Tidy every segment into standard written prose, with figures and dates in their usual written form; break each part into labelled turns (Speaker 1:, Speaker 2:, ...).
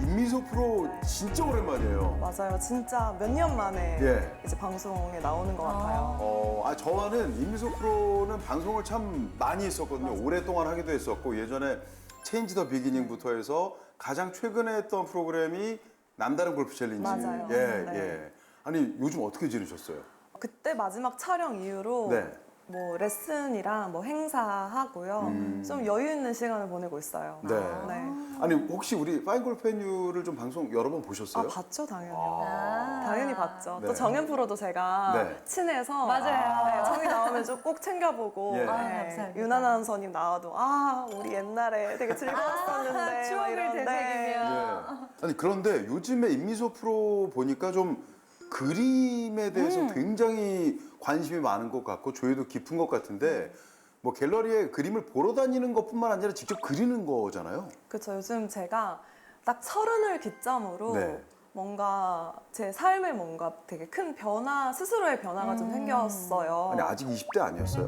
Speaker 1: 임미소 프로 진짜 오랜만이에요.
Speaker 2: 맞아요. 진짜 몇 년 만에
Speaker 1: 예.
Speaker 2: 이제 방송에 나오는 것 같아요.
Speaker 1: 저와는 임미소 프로는 방송을 참 많이 했었거든요.
Speaker 2: 맞아요.
Speaker 1: 오랫동안 하기도 했었고 예전에 체인지 더 비기닝부터 해서 가장 최근에 했던 프로그램이 남다른 골프 챌린지.
Speaker 2: 맞아요.
Speaker 1: 예,
Speaker 2: 네.
Speaker 1: 예. 아니 요즘 어떻게 지내셨어요?
Speaker 2: 그때 마지막 촬영 이후로
Speaker 1: 네.
Speaker 2: 뭐 레슨이랑 뭐 행사하고요. 좀 여유 있는 시간을 보내고 있어요.
Speaker 1: 네.
Speaker 2: 네.
Speaker 1: 아니 혹시 우리 파인골프 앤유를 좀 방송 여러 번 보셨어요?
Speaker 2: 봤죠, 당연히요.
Speaker 1: 아.
Speaker 2: 당연히 봤죠.
Speaker 1: 네.
Speaker 2: 또 정현 프로도 제가
Speaker 1: 네.
Speaker 2: 친해서
Speaker 3: 맞아요.
Speaker 2: 네, 저희 나오면 좀 꼭 챙겨보고
Speaker 1: 예.
Speaker 3: 감사합니다.
Speaker 2: 윤하나 아나운서님 나와도 우리 옛날에 되게 즐거웠었는데
Speaker 3: 추억을
Speaker 2: 막 이런데.
Speaker 3: 되새기며.
Speaker 1: 예. 아니 그런데 요즘에 임미소 프로 보니까 좀 그림에 대해서 굉장히 관심이 많은 것 같고 조예도 깊은 것 같은데 뭐 갤러리에 그림을 보러 다니는 것뿐만 아니라 직접 그리는 거잖아요.
Speaker 2: 그렇죠. 요즘 제가 딱 30을 기점으로
Speaker 1: 네.
Speaker 2: 뭔가 제 삶에 뭔가 되게 큰 변화, 스스로의 변화가 좀 생겼어요.
Speaker 1: 아니 아직 20대 아니었어요?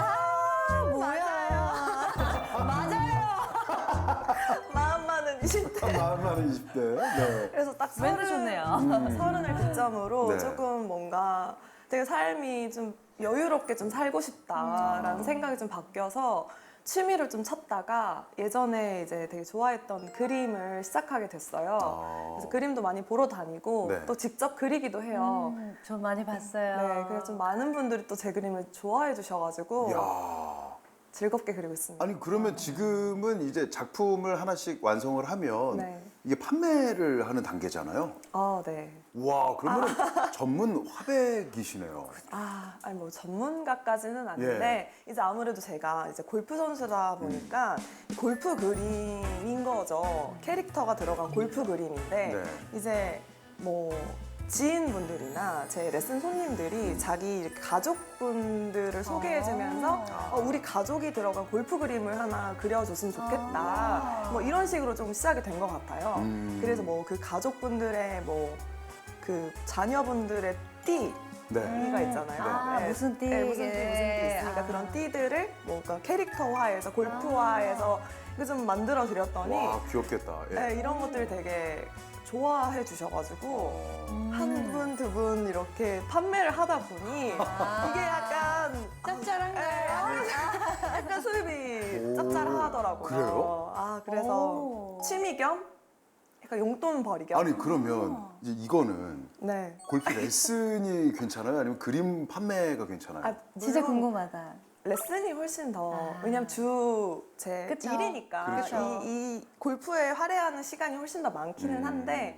Speaker 2: 마음 많은 20대.
Speaker 1: 마음 많은 20대. 네.
Speaker 2: 그래서 딱
Speaker 3: 멘트 좋네요.
Speaker 2: 30을 기점으로
Speaker 1: 네.
Speaker 2: 조금 뭔가 되게 삶이 좀 여유롭게 좀 살고 싶다라는 생각이 좀 바뀌어서 취미를 좀 찾다가 예전에 이제 되게 좋아했던 그림을 시작하게 됐어요. 그래서 그림도 많이 보러 다니고
Speaker 1: 네.
Speaker 2: 또 직접 그리기도 해요.
Speaker 3: 저 많이 봤어요.
Speaker 2: 네, 그래서 좀 많은 분들이 또 제 그림을 좋아해 주셔가지고
Speaker 1: 야.
Speaker 2: 즐겁게 그리고 있습니다.
Speaker 1: 아니 그러면 지금은 이제 작품을 하나씩 완성을 하면
Speaker 2: 네.
Speaker 1: 이게 판매를 하는 단계잖아요.
Speaker 2: 네.
Speaker 1: 와 그러면 전문 화백이시네요.
Speaker 2: 아니 뭐 전문가까지는 아닌데 이제 아무래도 제가 이제 골프 선수다 보니까 골프 그림인 거죠. 캐릭터가 들어간 골프 그림인데
Speaker 1: 네.
Speaker 2: 이제 뭐 지인분들이나 제 레슨 손님들이 자기 이렇게 가족분들을 소개해주면서 우리 가족이 들어간 골프 그림을 하나 그려줬으면 좋겠다. 뭐 이런 식으로 좀 시작이 된 것 같아요. 그래서 뭐 그 가족분들의 뭐 그 자녀분들의 띠가 있잖아요.
Speaker 1: 네.
Speaker 3: 무슨 띠?
Speaker 2: 네, 무슨 띠 있으니까 그런 띠들을 뭔가 캐릭터화해서 골프화해서 이거 좀 만들어 드렸더니
Speaker 1: 와 귀엽겠다. 예.
Speaker 2: 네, 이런 것들을 되게 좋아해 주셔가지고 한 분, 두 분 이렇게 판매를 하다 보니 이게 약간
Speaker 3: 짭짤한가요?
Speaker 2: 약간 수입이
Speaker 1: 오,
Speaker 2: 짭짤하더라고요.
Speaker 1: 그래요?
Speaker 2: 그래서
Speaker 3: 오.
Speaker 2: 취미 겸 약간 용돈 벌이 겸.
Speaker 1: 아니 그러면 이제 이거는
Speaker 2: 네.
Speaker 1: 골프 레슨이 괜찮아요? 아니면 그림 판매가 괜찮아요?
Speaker 3: 진짜
Speaker 2: 물론
Speaker 3: 궁금하다.
Speaker 2: 레슨이 훨씬 더
Speaker 3: 아.
Speaker 2: 왜냐면 제
Speaker 3: 그쵸.
Speaker 2: 일이니까
Speaker 1: 그렇죠.
Speaker 2: 이 골프에 할애하는 시간이 훨씬 더 많기는 한데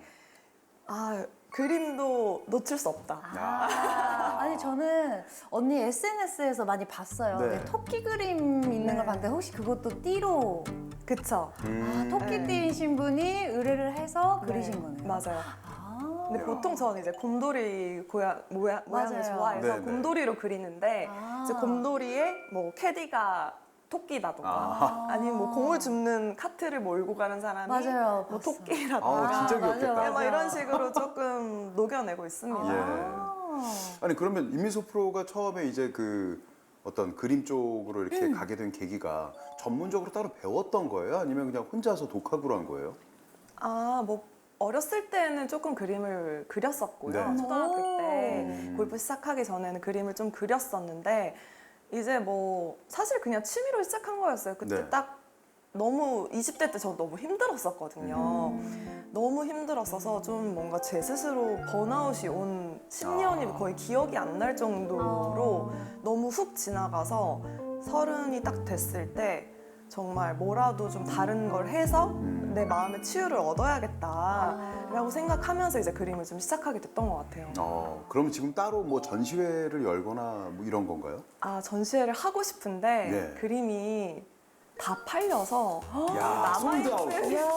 Speaker 2: 그림도 놓칠 수 없다.
Speaker 3: 아니 저는 언니 SNS에서 많이 봤어요.
Speaker 1: 네.
Speaker 3: 근데 토끼 그림 있는
Speaker 2: 네.
Speaker 3: 걸 봤는데 혹시 그것도 띠로
Speaker 2: 그쵸?
Speaker 3: 토끼띠이신 분이 의뢰를 해서 그리신
Speaker 2: 네,
Speaker 3: 거네요.
Speaker 2: 맞아요. 근데
Speaker 1: 야.
Speaker 2: 보통 저는 이제 곰돌이 모양을
Speaker 3: 맞아요.
Speaker 2: 좋아해서
Speaker 1: 네네.
Speaker 2: 곰돌이로 그리는데 이제 곰돌이에 뭐 캐디가 토끼라던가 아니면 뭐 공을 줍는 카트를 몰고 가는 사람이
Speaker 3: 맞아요.
Speaker 2: 뭐
Speaker 3: 봤어요.
Speaker 2: 토끼라던가
Speaker 1: 진짜 귀엽겠다.
Speaker 3: 맞아,
Speaker 2: 네, 막
Speaker 3: 맞아.
Speaker 2: 이런 식으로 조금 녹여내고 있습니다.
Speaker 1: 예. 아니 그러면 임미소 프로가 처음에 이제 그 어떤 그림 쪽으로 이렇게 가게 된 계기가 전문적으로 따로 배웠던 거예요? 아니면 그냥 혼자서 독학으로 한 거예요?
Speaker 2: 뭐 어렸을 때는 조금 그림을 그렸었고요.
Speaker 1: 네.
Speaker 2: 초등학교 때 골프 시작하기 전에는 그림을 좀 그렸었는데 이제 뭐 사실 그냥 취미로 시작한 거였어요. 그때
Speaker 1: 네.
Speaker 2: 딱 너무 20대 때 저 너무 힘들었었거든요. 너무 힘들었어서 좀 뭔가 제 스스로 번아웃이 온 10년이 거의 기억이 안 날 정도로 너무 훅 지나가서 30이 딱 됐을 때 정말 뭐라도 좀 다른 걸 해서 내 마음의 치유를 얻어야겠다라고 생각하면서 이제 그림을 좀 시작하게 됐던 것 같아요.
Speaker 1: 그럼 지금 따로 뭐 전시회를 열거나 뭐 이런 건가요?
Speaker 2: 전시회를 하고 싶은데
Speaker 1: 네.
Speaker 2: 그림이 다 팔려서
Speaker 1: 야, 솔드아웃.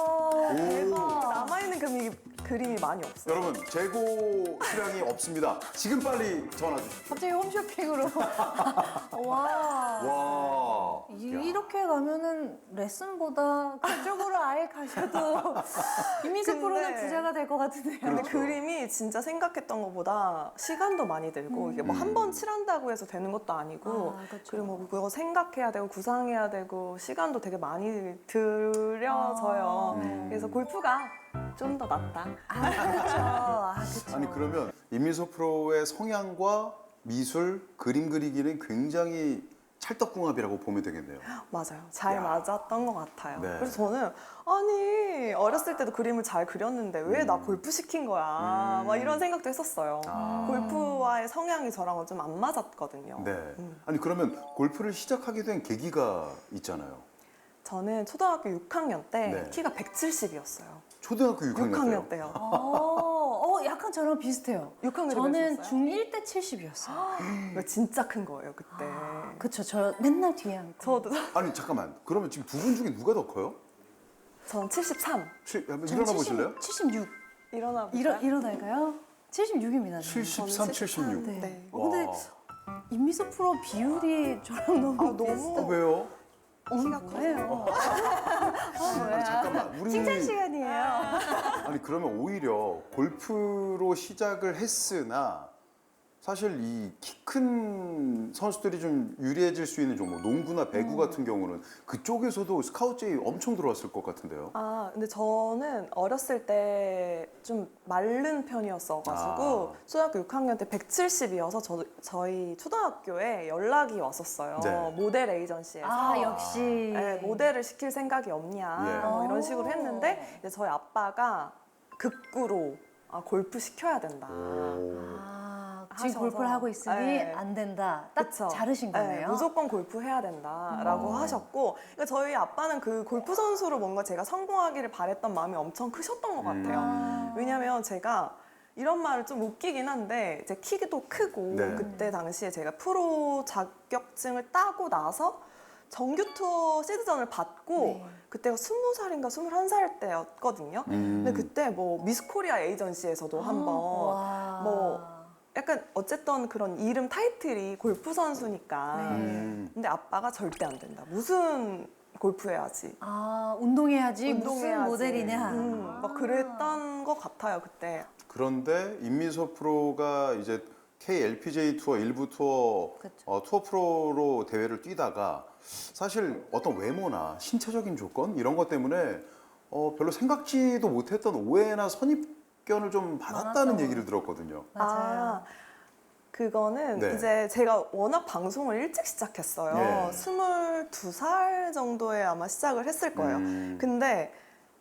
Speaker 2: 남아있는 그림이 많이 없어요.
Speaker 1: 여러분 재고 수량이 없습니다. 지금 빨리 전화 주십시오.
Speaker 3: 갑자기 홈쇼핑으로. 와.
Speaker 1: 와.
Speaker 3: 이렇게 가면은 레슨보다 그쪽으로 아예 가셔도 이미지
Speaker 2: 근데-
Speaker 3: 프로는 부자가 될 것 같은데요.
Speaker 2: 근데
Speaker 1: 그렇죠.
Speaker 2: 그림이 진짜 생각했던 것보다 시간도 많이 들고 이게 뭐 한 번 칠한다고 해서 되는 것도 아니고
Speaker 3: 그렇죠.
Speaker 2: 그리고 뭐 그거 생각해야 되고 구상해야 되고 시간도 되게 많이 들여져요. 그래서 골프가 좀 더 낫다.
Speaker 3: 아, 그렇죠. 아, 그렇죠.
Speaker 1: 아니 그러면 임미소 프로의 성향과 미술, 그림 그리기는 굉장히 찰떡궁합이라고 보면 되겠네요.
Speaker 2: 맞아요. 잘
Speaker 1: 야.
Speaker 2: 맞았던 것 같아요.
Speaker 1: 네.
Speaker 2: 그래서 저는 아니 어렸을 때도 그림을 잘 그렸는데 왜 나 골프 시킨 거야? 막 이런 생각도 했었어요.
Speaker 1: 아.
Speaker 2: 골프와의 성향이 저랑은 좀 안 맞았거든요.
Speaker 1: 네. 아니 그러면 골프를 시작하게 된 계기가 있잖아요.
Speaker 2: 저는 초등학교 6학년 때
Speaker 1: 네.
Speaker 2: 키가 170이었어요.
Speaker 1: 초등학교 6학년,
Speaker 2: 6학년 때요.
Speaker 3: 약간 저랑 비슷해요.
Speaker 2: 6학년 때
Speaker 3: 저는
Speaker 2: 그랬었어요?
Speaker 3: 중1 때 70이었어요.
Speaker 2: 이거 진짜 큰 거예요 그때.
Speaker 3: 그쵸, 저 맨날 뒤에 앉고.
Speaker 2: 저도
Speaker 1: 아니 잠깐만. 그러면 지금 두 분 중에 누가 더 커요?
Speaker 2: 전 73.
Speaker 1: 한번
Speaker 3: 저는
Speaker 1: 일어나 보실래요?
Speaker 3: 76.
Speaker 2: 일어나 볼까요?
Speaker 3: 일어날까요? 76입니다.
Speaker 1: 73, 76.
Speaker 3: 네.
Speaker 2: 네.
Speaker 3: 근데 임미소 프로 비율이 저랑 너무
Speaker 2: 너무
Speaker 3: 비슷해요.
Speaker 1: 왜요?
Speaker 3: 키가 뭐예요?
Speaker 1: 아니 잠깐만. 우리
Speaker 3: 칭찬 시간이에요.
Speaker 1: 아니 그러면 오히려 골프로 시작을 했으나 사실 이 키 큰 선수들이 좀 유리해질 수 있는 종목, 농구나 배구 같은 경우는 그쪽에서도 스카우트 제의 엄청 들어왔을 것 같은데요.
Speaker 2: 아, 근데 저는 어렸을 때 좀 마른 편이었어가지고 초등학교 6학년 때 170이어서 저희 초등학교에 연락이 왔었어요.
Speaker 1: 네.
Speaker 2: 모델 에이전시에서.
Speaker 3: 아, 역시.
Speaker 2: 네, 모델을 시킬 생각이 없냐
Speaker 1: 예.
Speaker 2: 뭐 이런 식으로 했는데 이제 저희 아빠가 극구로 골프 시켜야 된다.
Speaker 3: 지금
Speaker 2: 하셔서.
Speaker 3: 골프를 하고 있으니
Speaker 2: 네.
Speaker 3: 안 된다. 딱
Speaker 2: 그쵸?
Speaker 3: 자르신
Speaker 2: 네,
Speaker 3: 거네요.
Speaker 2: 무조건 골프 해야 된다라고 하셨고, 그러니까 저희 아빠는 그 골프 선수로 뭔가 제가 성공하기를 바랬던 마음이 엄청 크셨던 것 같아요. 왜냐면 제가 이런 말을 좀 웃기긴 한데 제 키도 크고
Speaker 1: 네.
Speaker 2: 그때 당시에 제가 프로 자격증을 따고 나서 정규 투어 시드전을 받고
Speaker 3: 네.
Speaker 2: 그때가 20살인가 21살 때였거든요. 근데 그때 뭐 미스 코리아 에이전시에서도 한번
Speaker 3: 와.
Speaker 2: 뭐 약간 어쨌든 그런 이름 타이틀이 골프 선수니까.
Speaker 3: 네.
Speaker 2: 근데 아빠가 절대 안 된다. 무슨 골프 해야지.
Speaker 3: 운동해야지. 무슨
Speaker 2: 운동해야지.
Speaker 3: 모델이냐.
Speaker 2: 막 그랬던 것 같아요 그때.
Speaker 1: 그런데 임미소 프로가 이제 KLPGA 투어 일부 투어
Speaker 3: 그쵸.
Speaker 1: 투어 프로로 대회를 뛰다가 사실 어떤 외모나 신체적인 조건 이런 것 때문에 별로 생각지도 못했던 오해나 선입견을 좀 받았다는
Speaker 3: 많았던
Speaker 1: 얘기를 들었거든요.
Speaker 3: 맞아요.
Speaker 2: 그거는
Speaker 1: 네.
Speaker 2: 이제 제가 워낙 방송을 일찍 시작했어요.
Speaker 1: 예.
Speaker 2: 22살 정도에 아마 시작을 했을 거예요. 근데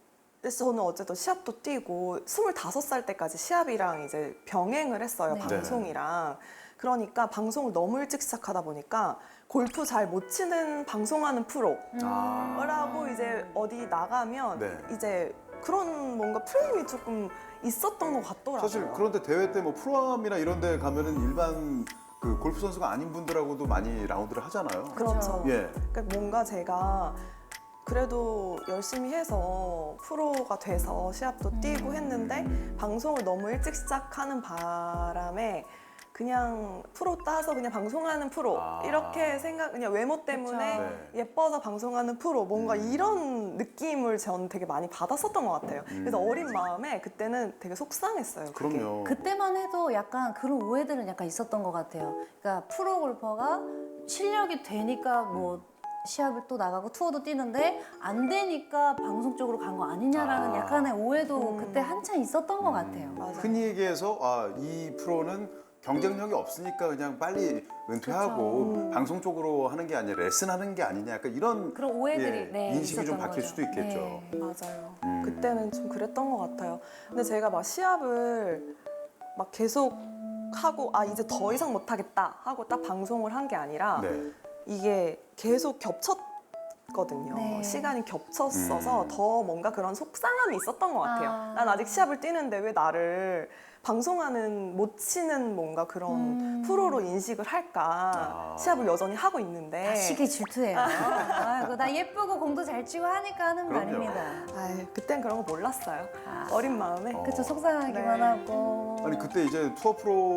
Speaker 2: 저는 어쨌든 시합도 뛰고 25살 때까지 시합이랑 이제 병행을 했어요.
Speaker 3: 네.
Speaker 2: 방송이랑. 그러니까 방송을 너무 일찍 시작하다 보니까 골프 잘 못 치는 방송하는 프로라고 이제 어디 나가면
Speaker 1: 네.
Speaker 2: 이제 그런 뭔가 프레임이 조금 있었던 것 같더라고요.
Speaker 1: 사실 그런데 대회 때 뭐 프로암이나 이런 데 가면은 일반 그 골프 선수가 아닌 분들하고도 많이 라운드를 하잖아요.
Speaker 2: 그렇죠.
Speaker 1: 예.
Speaker 2: 그러니까 뭔가 제가 그래도 열심히 해서 프로가 돼서 시합도 뛰고 했는데 방송을 너무 일찍 시작하는 바람에 그냥 프로 따서 그냥 방송하는 프로 이렇게 그냥 외모 때문에
Speaker 3: 그쵸.
Speaker 1: 네.
Speaker 2: 예뻐서 방송하는 프로 뭔가 이런 느낌을 전 되게 많이 받았었던 것 같아요. 그래서 어린 마음에 그때는 되게 속상했어요. 그게.
Speaker 1: 그럼요.
Speaker 3: 그때만 해도 약간 그런 오해들은 약간 있었던 것 같아요. 그러니까 프로 골퍼가 실력이 되니까 뭐 시합을 또 나가고 투어도 뛰는데 안 되니까 방송 쪽으로 간 거 아니냐라는 약간의 오해도 그때 한참 있었던 것 같아요.
Speaker 2: 맞아요.
Speaker 1: 흔히 얘기해서 이 프로는 경쟁력이 없으니까 그냥 빨리 은퇴하고 방송 쪽으로 하는 게 아니라 레슨하는 게 아니냐 약간 이런
Speaker 3: 그런 오해들이 네,
Speaker 1: 인식이 좀
Speaker 3: 있었던
Speaker 1: 바뀔
Speaker 3: 거죠.
Speaker 1: 수도 있겠죠.
Speaker 3: 네.
Speaker 2: 맞아요. 그때는 좀 그랬던 것 같아요. 근데 제가 막 시합을 막 계속 하고 이제 더 이상 못하겠다 하고 딱 방송을 한 게 아니라
Speaker 1: 네.
Speaker 2: 이게 계속 겹쳤거든요.
Speaker 3: 네.
Speaker 2: 시간이 겹쳤어서 더 뭔가 그런 속상함이 있었던 것 같아요. 난 아직 시합을 뛰는데 왜 나를 방송하는 못 치는 뭔가 그런 프로로 인식을 할까. 시합을 여전히 하고 있는데.
Speaker 3: 다 시기 질투예요. 아이고, 나 예쁘고 공도 잘 치고 하니까 하는
Speaker 1: 그럼요.
Speaker 3: 말입니다.
Speaker 2: 그땐 그런 거 몰랐어요. 어린 마음에.
Speaker 3: 그쵸, 속상하기만
Speaker 2: 네.
Speaker 3: 하고.
Speaker 1: 아니 그때 이제 투어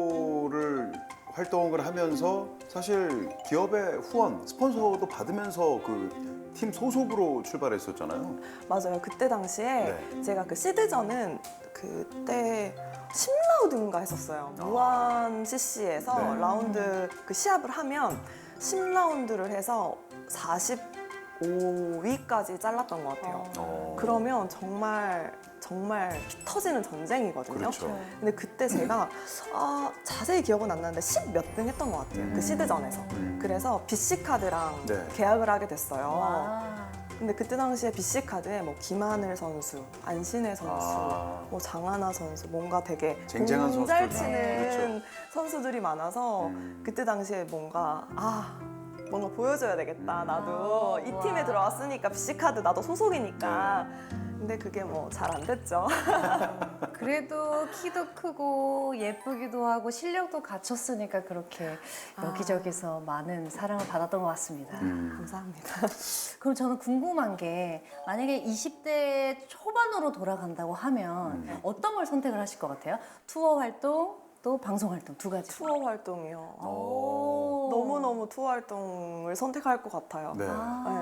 Speaker 1: 프로를 활동을 하면서 사실 기업의 후원, 스폰서도 받으면서 그 팀 소속으로 출발했었잖아요.
Speaker 2: 맞아요. 그때 당시에
Speaker 1: 네.
Speaker 2: 제가 그 시드전은 그때 10라운드인가 했었어요. 무한 CC에서
Speaker 1: 네.
Speaker 2: 라운드 그 시합을 하면 10라운드를 해서 5위까지 잘랐던 것 같아요. 그러면 정말 피 터지는 전쟁이거든요.
Speaker 1: 그렇죠.
Speaker 2: 근데 그때 제가 자세히 기억은 안 나는데 10 몇 등 했던 것 같아요. 그 시드전에서. 그래서 BC카드랑
Speaker 1: 네.
Speaker 2: 계약을 하게 됐어요.
Speaker 3: 와.
Speaker 2: 근데 그때 당시에 BC카드에 뭐 김하늘 선수, 안신혜 선수, 뭐 장하나 선수, 뭔가 되게
Speaker 1: 쟁쟁한
Speaker 2: 공잘
Speaker 1: 선수들.
Speaker 2: 치는
Speaker 1: 그렇죠.
Speaker 2: 선수들이 많아서 그때 당시에 뭔가 뭔가 보여줘야 되겠다. 나도 이 팀에
Speaker 3: 우와.
Speaker 2: 들어왔으니까 BC카드 나도 소속이니까. 근데 그게 뭐 잘 안 됐죠.
Speaker 3: 그래도 키도 크고 예쁘기도 하고 실력도 갖췄으니까 그렇게 여기저기서 많은 사랑을 받았던 것 같습니다.
Speaker 2: 감사합니다.
Speaker 3: 그럼 저는 궁금한 게 만약에 20대 초반으로 돌아간다고 하면 어떤 걸 선택을 하실 것 같아요? 투어 활동 또 방송 활동 두 가지.
Speaker 2: 투어 활동이요.
Speaker 3: 오.
Speaker 2: 너무너무 투어 활동을 선택할 것 같아요.
Speaker 1: 네.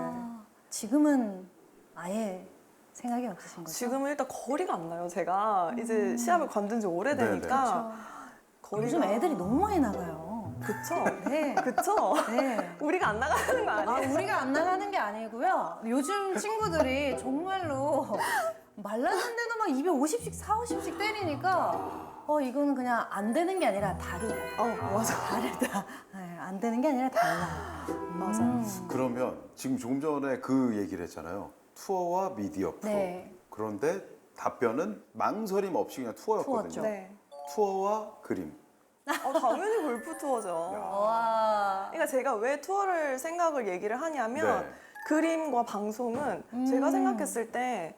Speaker 3: 지금은 아예 생각이 없으신 거죠?
Speaker 2: 지금은 일단 거리가 안 나요. 제가 이제 시합을 관둔 지 오래되니까 거리가
Speaker 3: 요즘 애들이 너무 많이 나가요.
Speaker 2: 그쵸?
Speaker 3: 네.
Speaker 2: 그쵸?
Speaker 3: 네.
Speaker 2: 우리가 안 나가는 거 아니에요?
Speaker 3: 우리가 안 나가는 게 아니고요. 요즘 친구들이 정말로 말랐는데도 막 250씩, 450씩 때리니까 이거는 그냥 안 되는 게 아니라 다르다.
Speaker 2: 맞아.
Speaker 3: 다르다. 네, 안 되는 게 아니라 달라.
Speaker 2: 맞아요.
Speaker 1: 그러면 지금 조금 전에 그 얘기를 했잖아요. 투어와 미디어 프로.
Speaker 3: 네.
Speaker 1: 그런데 답변은 망설임 없이 그냥 투어였거든요.
Speaker 3: 투어죠.
Speaker 2: 네.
Speaker 1: 투어와 그림.
Speaker 2: 당연히 골프 투어죠.
Speaker 3: 와.
Speaker 2: 그러니까 제가 왜 투어를 생각을 얘기를 하냐면
Speaker 1: 네.
Speaker 2: 그림과 방송은 제가 생각했을 때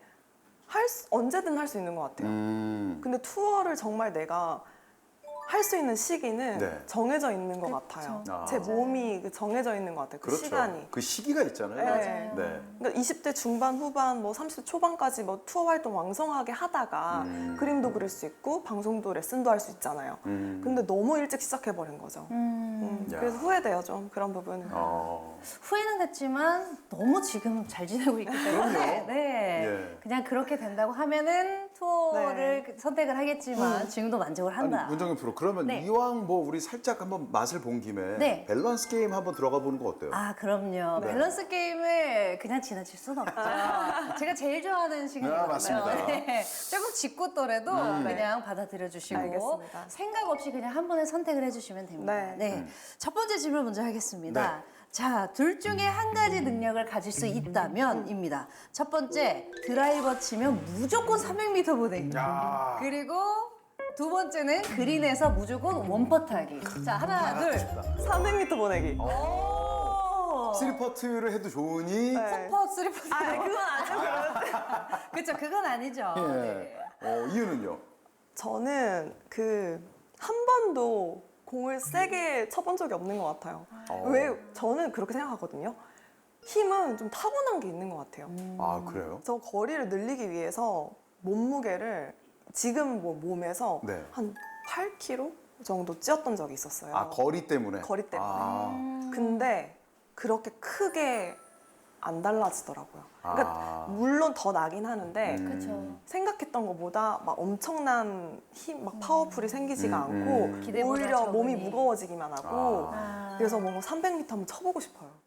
Speaker 2: 언제든 할 수 있는 것 같아요. 근데 투어를 정말 내가 할 수 있는 시기는
Speaker 1: 네.
Speaker 2: 정해져 있는 것
Speaker 3: 그쵸.
Speaker 2: 같아요.
Speaker 1: 아.
Speaker 2: 제 몸이 정해져 있는 것 같아요. 그
Speaker 1: 그렇죠.
Speaker 2: 시간이.
Speaker 1: 그 시기가 있잖아요.
Speaker 2: 네.
Speaker 1: 네.
Speaker 2: 그러니까 20대 중반, 후반, 뭐 30대 초반까지 뭐 투어 활동 왕성하게 하다가 그림도 그릴 수 있고 방송도 레슨도 할 수 있잖아요. 근데 너무 일찍 시작해버린 거죠.
Speaker 1: 야.
Speaker 2: 그래서 후회돼요, 좀 그런 부분은.
Speaker 3: 후회는 됐지만 너무 지금 잘 지내고 있기 때문에 네.
Speaker 1: 예.
Speaker 3: 그냥 그렇게 된다고 하면은 투어를 선택을 하겠지만 지금도 만족을 한다.
Speaker 1: 아니, 문정현 프로, 그러면
Speaker 3: 네.
Speaker 1: 이왕 뭐 우리 살짝 한번 맛을 본 김에
Speaker 3: 네.
Speaker 1: 밸런스 게임 한번 들어가 보는 거 어때요?
Speaker 3: 그럼요.
Speaker 1: 네.
Speaker 3: 밸런스 게임을 그냥 지나칠 수는 없죠. 제가 제일 좋아하는 시간이거든요.
Speaker 1: 맞습니다.
Speaker 3: 네. 조금 짓궂더라도 그냥 받아들여 주시고
Speaker 2: 알겠습니다.
Speaker 3: 생각 없이 그냥 한 번에 선택을 해주시면 됩니다.
Speaker 2: 네.
Speaker 3: 네. 첫 번째 질문 먼저 하겠습니다.
Speaker 1: 네.
Speaker 3: 자, 둘 중에 한 가지 능력을 가질 수 있다면입니다. 첫 번째, 드라이버 치면 무조건 300m 보내기.
Speaker 1: 야.
Speaker 3: 그리고 두 번째는 그린에서 무조건 원퍼트하기. 자, 하나, 둘.
Speaker 2: 300m 보내기.
Speaker 3: 오!
Speaker 1: 쓰리퍼트를 해도 좋으니
Speaker 2: 네.
Speaker 3: 퍼, 쓰리퍼트.
Speaker 2: 그건 아니죠.
Speaker 3: 그렇죠, 그건 아니죠. 네.
Speaker 1: 이유는요?
Speaker 2: 저는 한 번도 공을 세게 쳐본 적이 없는 것 같아요. 왜 저는 그렇게 생각하거든요. 힘은 좀 타고난 게 있는 것 같아요.
Speaker 1: 아, 그래요?
Speaker 2: 저 거리를 늘리기 위해서 몸무게를 지금 뭐 몸에서
Speaker 1: 네.
Speaker 2: 한 8kg 정도 찌었던 적이 있었어요.
Speaker 1: 아, 거리 때문에?
Speaker 2: 거리 때문에.
Speaker 1: 아.
Speaker 2: 근데 그렇게 크게 안 달라지더라고요. 그러니까 물론 더 나긴 하는데
Speaker 3: 그렇죠.
Speaker 2: 생각했던 것보다 막 엄청난 힘, 막 파워풀이 생기지가 않고
Speaker 3: 기대보다
Speaker 2: 오히려 몸이
Speaker 3: 적으니.
Speaker 2: 무거워지기만 하고
Speaker 3: 아.
Speaker 2: 그래서 뭔가 300m 한번 쳐보고 싶어요.